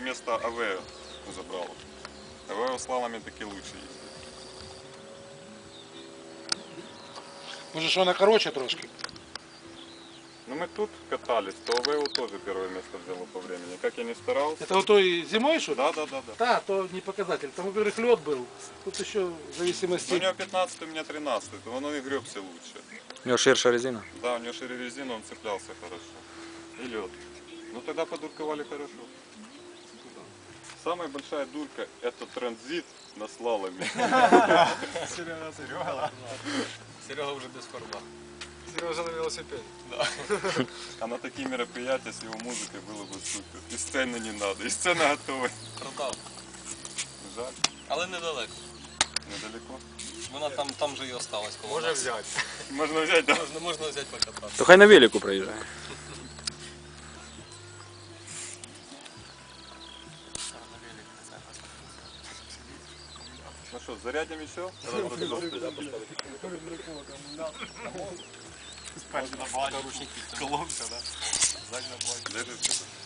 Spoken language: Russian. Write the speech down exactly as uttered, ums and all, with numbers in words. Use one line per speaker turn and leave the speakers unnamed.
вместо Авео забрал. Авео с лалами таки лучше ездит.
Може, що вона короче трошки?
Ну мы тут катались, то Авео тоже первое место взяло по времени. Как я не старался.
Это вот той зимой, что ли?
Да, да, да, да.
Да, то не показатель. Там, во-первых, лед был. Тут еще в
Ну,
зависимости...
у него пятнадцатый, у меня тринадцатый, то он и гребся лучше.
У него ширша резина.
Да, у него шире резина, он цеплялся хорошо. И лед. Ну тогда подурковали хорошо. Самая большая дурка — это транзит на слаломе.
Серега, Серега. Серега уже без фарба. Сережа на велосипеде. Да.
А на такие мероприятия с его музыкой было бы супер. И сцены не надо, и сцена готова.
Продав.
Жаль,
Але недалеко.
недалеко.
Вона там, там же і осталась коло
Може
нас.
взяти.
Можно взять, да?
Можна, можна взяти покататися.
То хай на велику проїжджає.
Ну что, зарядим еще?
Перший на бані. Колонка, да? Задня баня.
Держите.